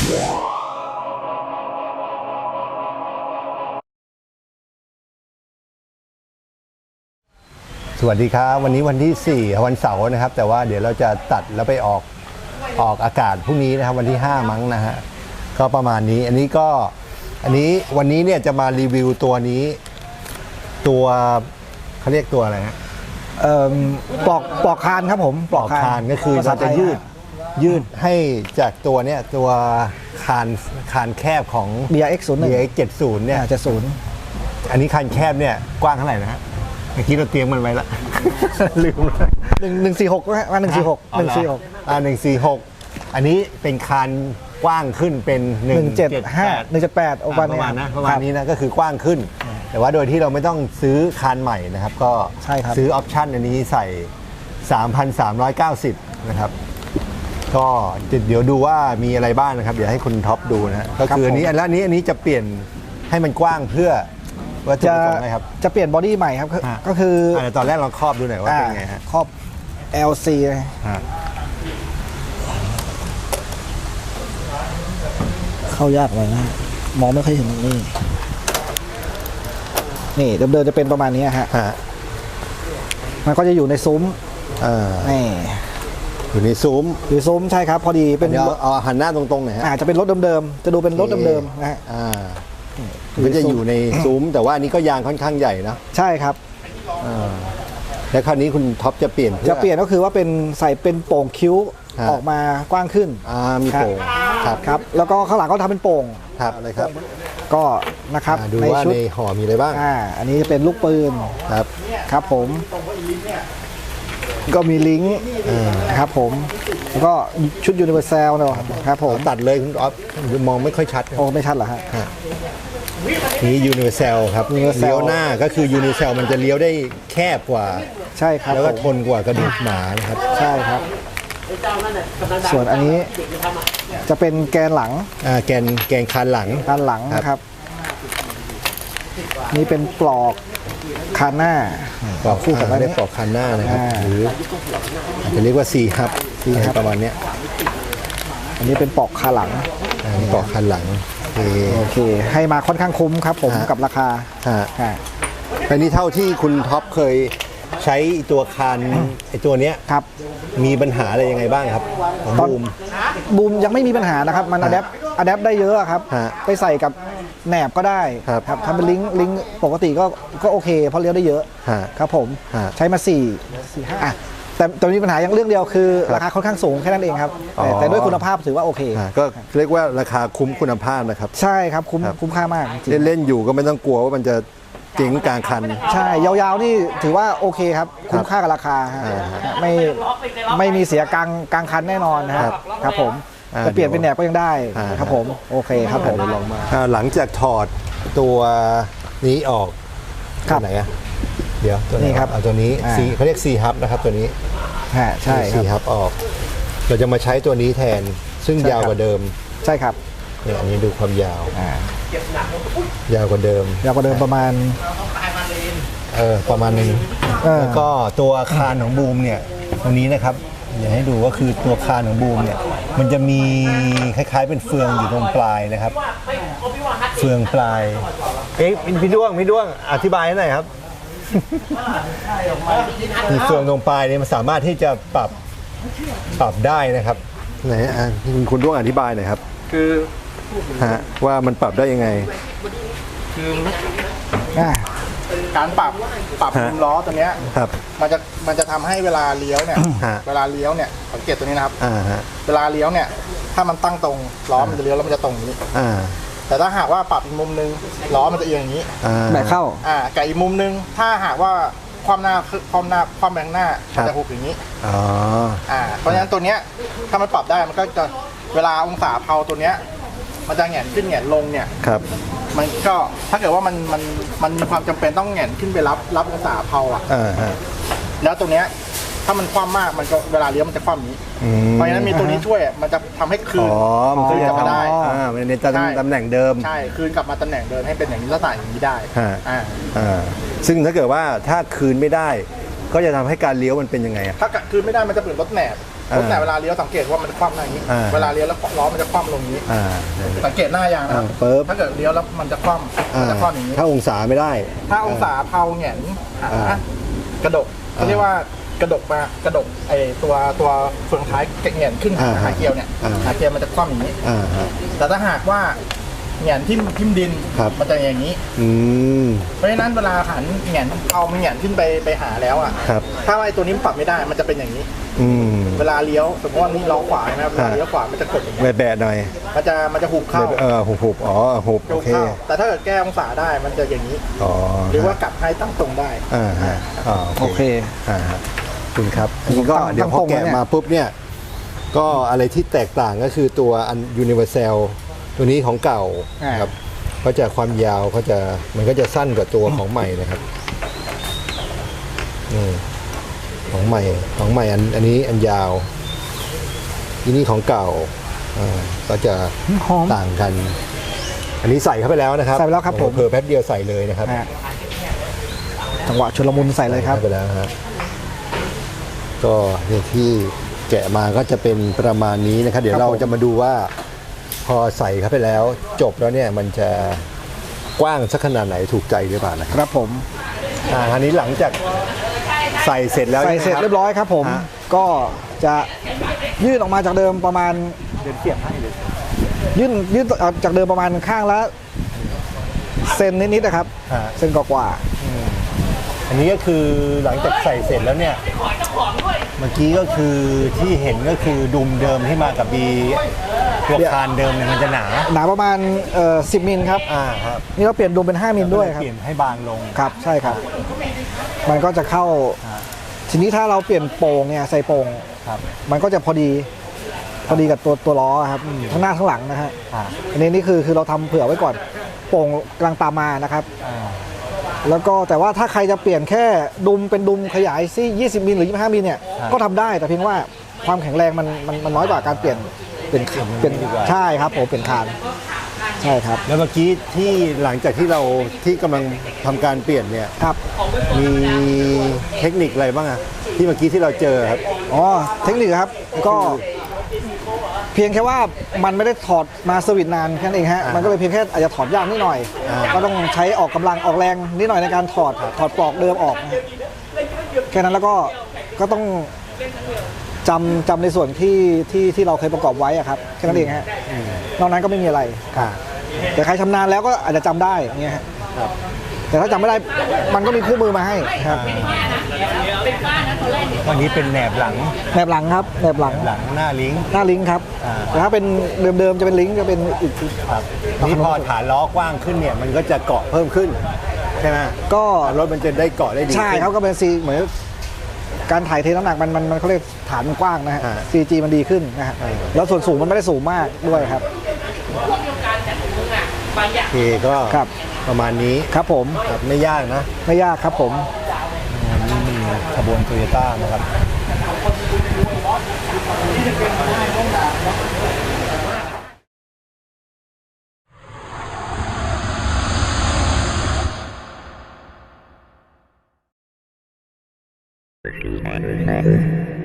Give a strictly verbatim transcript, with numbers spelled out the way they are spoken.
สวัสดีครับวันนี้วันที่สี่วันเสาร์นะครับแต่ว่าเดี๋ยวเราจะตัดแล้วไปออกออกอากาศพรุ่งนี้นะครับวันที่ห้ามั้งนะฮะก็ประมาณนี้อันนี้ก็อันนี้วันนี้เนี่ยจะมารีวิวตัวนี้ตัวเขาเรียกตัวอะไรฮะเอ่อปลอกปลอกคานครับผมปลอกคานก็คือเราจะยืดยืดให้จากตัวเนี้ยตัวคานคานแคบของบี อาร์ เอ็กซ์ ศูนย์หนึ่งบี อาร์ เอ็กซ์ เจ็ดสิบ เนี่ยเจ็ดสิบอันนี้คานแคบเนี่ยกว้างเท่าไหร่นะฮะเมื่อกี้เราเตรียมมันไว้ละ ลืมเลยหนึ่งหนึ่งสี่หกนะว่าหนึ่งสี่หกหนึ่งสี่หกอ่าหนึ่งสี่หกอันนี้เป็นคานกว้างขึ้นเป็นหนึ่งเจ็ดห้าหนึ่งเจ็ดแปดประมาณนะประมาณนี้นะก็คือกว้างขึ้นแต่ว่าโดยที่เราไม่ต้องซื้อคานใหม่นะครับก็ซื้อออปชั่นอันนี้ใส่ สามพันสามร้อยเก้าสิบ นะครับก็เดี๋ยวดูว่ามีอะไรบ้างนะครับเดี๋ยวให้คุณท็อปดูนะก็คืออันนี้อันละนี้อันนี้จะเปลี่ยนให้มันกว้างเพื่อว่าจะจะจะเปลี่ยนบอดี้ใหม่ครับก็คือตอนแรกเราครอบดูหน่อยว่าเป็นไงฮะครอบ แอล ซี เลยเข้ายากเลยนะมองไม่ค่อยเห็นนี่นี่เดิมๆจะเป็นประมาณนี้ฮะมันก็จะอยู่ในซุ้มนี่อยู่ในซุ้มอยู่ซุ้มใช่ครับพอดีเป็นเอาหันหน้าตรงๆหน่อยฮะจะเป็นรถเดิมๆจะดูเป็นรถเดิมๆนะฮะมันจะอยู่ในซุ้มแต่ว่าอันนี้ก็ยางค่อนข้างใหญ่นะใช่ครับแล้วคราวนี้คุณท็อปจะเปลี่ยนจะเปลี่ยนก็คือว่าเป็นใส่เป็นโป่งคิ้วออกมากว้างขึ้นอ่ามีโป่งครับครับแล้วก็ข้างหลังก็ทำเป็นโป่งครับอะไรครับก็นะครับดูว่าในห่อมีอะไรบ้างอ่าอันนี้เป็นลูกปืนครับครับผมก็มีลิงก์ครับผมแล้วก็ชุดยูนิเวอร์แซลเนาะครับผมตัดเลยคุณอ๊อฟมองไม่ค่อยชัดโอ้ไม่ชัดเหรอฮะนี่ยูนิเวอร์แซลครับเลี้ยวหน้าก็คือยูนิเวอร์แซลมันจะเลี้ยวได้แคบกว่าใช่ครับแล้วก็ทนกว่ากระดูกหมานะครับใช่ครับส่วนอันนี้จะเป็นแกนหลังอ่าแกนแกนคานหลังคานหลังนะครับนี่เป็นปลอกคานหน้าปลอกคู่กับเรียกปลอกคานหน้านะครับหรืออาจจะเรียกว่าซีฮับซีฮับประมาณนี้อันนี้เป็นปลอกคานหลังปลอกคานหลังโอเคให้มาค่อนข้างคุ้มครับผมกับราคาอันนี้เท่าที่คุณท็อปเคยใช้ตัวคานไอตัวเนี้ยครับมีปัญหาอะไรยังไงบ้างครับตอนบูมบูมยังไม่มีปัญหานะครับมันอะแดปอะแดปได้เยอะครับไปใส่กับแหนบก็ได้ครับทำเป็นลิงก์ลิงก์ปกติก็ก็โอเคเพราะเลี้ยวได้เยอะครับผมใช้มาสี่สี่ห้าแต่แต่มีปัญหาอย่างเรื่องเดียวคือราคาค่อนข้างสูงแค่นั้นเองครับแต่ด้วยคุณภาพถือว่าโอเคก็เรียกว่าราคาคุ้มคุณภาพนะครับใช่ครับคุ้มคุ้มค่ามากเล่นๆอยู่ก็ไม่ต้องกลัวว่ามันจะเจ๋งกลางคันใช่ยาวๆนี่ถือว่าโอเคครับคุ้มค่ากับราคาไม่ไม่มีเสียกลางกลางคันแน่นอนนะครับครับผมจะเปลี่ยนเป็นแหนบก็ยังได้ครับผมโอเคครับผมลองมาหลังจากถอดตัวนี้ออกครับไหนอะเดี๋ยวตัวนี้ครับเอาตัวนี้ซีเขาเรียกซีฮับนะครับตัวนี้ใช่ซีฮับออกเราจะมาใช้ตัวนี้แทนซึ่งยาวกว่าเดิมใช่ครับเนี่ยอันนี้ดูความยาวยาวกว่าเดิมยาวกว่าเดิมประมาณเออประมาณนึงแล้วก็ตัวคานของบูมเนี่ยตรงนี้นะครับอยากให้ดูก็คือตัวคานของบูมเนี่ยมันจะมีคล้ายๆเป็นเฟืองอยู่ตรงปลายนะครับเฟืองปลายเอ๊ะพี่ด้วงพี่ด้วงอธิบายให้หน่อยครับมีเฟืองตรงปลายเนี่ยมันสามารถที่จะปรับปรับได้นะครับไหนอ่ะคุณด้วงอธิบายหน่อยครับคือฮะว่ามันปรับได้ยังไงคือการปรับปรับมุมล้อตัวเนี้ยมันจะมันจะทำให้เวลาเลี้ยวเนี่ยเวลาเลี้ยวเนี่ยสังเกตตัวนี้นะครับเวลาเลี้ยวเนี่ยถ้ามันตั้งตรงล้อมันจะเลี้ยวแล้วมันจะตรงนี้แต่ถ้าหากว่าปรับอีกมุมนึงล้อมันจะเอียงอย่างนี้แบบเข้าอ่ากับอีกมุมนึงถ้าหากว่าความหน้าความหน้าความแบงหน้ามันจะหุบอย่างนี้อ๋ออ่าเพราะฉะนั้นตัวเนี้ยถ้ามันปรับได้มันก็จะเวลาองศาเพาตัวเนี้ยมันจะแหงนขึ้นแหงนลงเนี่ยครับมันก็ถ้าเกิดว่ามันมันมันมีความจำเป็นต้องแหงนขึ้นไปรับรับองศาเพาอ่ะแล้วตัวเนี้ยถ้ามันคว่ำมากมันก็เวลาเลี้ยวมันจะคว่ำนี้เพราะฉะนั้นมีตัวนี้ช่วยมันจะทำให้คืนคืนกลับมาได้อ่ามันในตำแหน่งเดิมใช่คืนกลับมาตำแหน่งเดิมให้เป็นอย่างนี้ลักษณะอย่างนี้ได้อ่าอ่าซึ่งถ้าเกิดว่าถ้าคืนไม่ได้ก็จะทำให้การเลี้ยวมันเป็นยังไงอ่ะถ้าคืนไม่ได้มันจะเปลี่ยนรถแหนบผมแต่เวลาเลี้ยวสังเกตว่ามันคว่ำหน้าอย่างนี้อ่าเวลาเลี้ยวแล้วล้อมันจะคว่ำลงอย่างนี้อ่าสังเกตหน้ายางนะครับอ่าปึ๊บถ้าเกิดเลี้ยวแล้วมันจะคว่ำมันจะคว่ำอย่างนี้ถ้าองศาไม่ได้ถ้าองศาเพาแหงนหาอ่ากระดกเขาเรียกว่ากระดกมากระดกไอตัวตัวเฟืองท้ายแหงนขึ้นหาอ่าหาเกียวเนี่ยอ่าหาเกียวมันจะคว่ำอย่างนี้อ่าฮะแต่ถ้าหากว่าแหงนทิ่มทิ่มดินครับมันจะอย่างนี้อืมเพราะฉะนั้นเวลาหันแหงนเอามันแหงนขึ้นไปไปหาแล้วอ่ะครับถ้าไอตัวนี้มันปรับไม่ได้มันจะเป็นอย่างนี้อืมเวลาเลี้ยวสมมติว่านี่ล้อขวาใช่ไหมเวลาเลี้ยวขวามันจะกดอย่างนี้แบะๆหน่อยมันจะมันจะหุบเข้าเออหุบหุบอ๋อหุบจะโอหุบเคเข้าแต่ถ้าเกิดแก้องศาได้มันจะอย่างนี้อ๋อหรือว่ากลับให้ตั้งตรงได้อ่าฮะอ่าโอเคอ่าฮะขอบคุณครับอันนี้ก็ตั้งเดี๋ยวพอตั้งตรงแกะแล้วเนี่ยมาปุ๊บเนี่ย ก็อะไรที่แตกต่างก็คือตัวอัน Universal ตัวนี้ของเก่านะครับก็จะความยาวเขาจะมันก็จะสั้นกว่าตัวของใหม่นะครับนี่ของใหม่ของใหม่อันอันนี้อันยาวที่นี่ของเก่าอ่าก็จะหอมต่างกัน อันนี้ใส่เข้าไปแล้วนะครับใส่ไปแล้วครับผมเผลอๆแป๊บเดียวใส่เลยนะครับนะฮะจังหวะชุลมุนใส่เลยครับใส่ไปแล้วฮะก็เนี่ยที่แกะมาก็จะเป็นประมาณนี้นะครับ เดี๋ยวครับเราผมจะมาดูว่า พอใส่เข้าไปแล้ว จบแล้วเนี่ยมันจะกว้างสักขนาดไหนถูกใจหรือเปล่านะครับครับผมอ่าอันนี้หลังจากใส่เสร็จแล้วใส่เสร็จเรียบร้อยครับผมฮะก็จะยื่นออกมาจากเดิมประมาณเดี๋ยวเสียบให้เลยยื่นยื่นออกจากเดิมประมาณข้างละเซนนิดๆนะครับฮะเซนกว่าอันนี้ก็คือหลังจากใส่เสร็จแล้วเนี่ยเมื่อกี้ก็คือที่เห็นก็คือดุมเดิมที่มากับบีตัวคานเดิมเนี่ยมันจะหนาๆหนาประมาณเอ่อสิบมิลครับอ่าครับนี่เราเปลี่ยนดุมเป็นห้ามิลด้วยครับเปลี่ยนให้บางลงครับใช่ครับ มันก็จะเข้า ทีนี้ถ้าเราเปลี่ยนโป่งเนี่ยใส่โป่งครับมันก็จะพอดีพอดีกับตัวตัวล้อครับทั้งหน้าทั้งหลังนะฮะอ่าอันนี้นี่คือคือเราทำเผื่อไว้ก่อนโป่งกำลังตามมานะครับอ่าแล้วก็แต่ว่าถ้าใครจะเปลี่ยนแค่ดุมเป็นดุมขยายซี่ยี่สิบมิลหรือยี่สิบห้ามิลเนี่ยก็ทำได้แต่เพียงว่าความแข็งแรงมันมันมันน้อยกว่าการเปลี่ยนเป็นเป็นใช่ครับผมเปลี่ยนคานใช่ครับแล้วเมื่อกี้ที่หลังจากที่เราที่กำลังทำการเปลี่ยนเนี่ยครับมีเทคนิคอะไรบ้างอะที่เมื่อกี้ที่เราเจอครับอ๋อเทคนิคครับก็เพียงแค่ว่ามันไม่ได้ถอดมาสวิตช์นานแค่นั้นเองฮะอ่ามัมันก็เลยเพียงแค่อาจจะถอดยากนิดหน่อยอ่าก็ต้องใช้ออกกำลังออกแรงนิดหน่อยในการถอดถอดปลอกเดิมออกนะแค่นั้นแล้วก็ก็ต้องจำจำในส่วนที่ที่ที่เราเคยประกอบไว้อะครับแค่นั้นเองฮะนอกนั้นก็ไม่มีอะไรค่ะแต่ใครชำนาญแล้วก็อาจจะจำได้อย่างเงี้ยฮะแต่ถ้าจำไม่ได้มันก็มีคู่มือมาให้ครับวันนี้เป็นแหนบหลังแนบหลังครับแนบหลังหลังหน้าลิงก์หน้าลิงก์ครับอ่าแต่ถ้าเป็นเดิมๆจะเป็นลิงก์จะเป็นอีกครับนี่พอฐานล้อกว้างขึ้นเนี่ยมันก็จะเกาะเพิ่มขึ้นใช่ไหมก็รถมันจะได้เกาะได้ดีใช่ครับก็เป็นซีเหมือนการถ่ายเทน้ำหนักมันมันมันเขาเรียกฐานมันกว้างนะฮะอ่าซี จี มันดีขึ้นนะฮะแล้วส่วนสูงมันไม่ได้สูงมากด้วยครับโอเคก็ครับประมาณนี้ครับผมครับไม่ยากนะไม่ยากครับผมนี่มีขบวนโตโยต้านะครับ This is my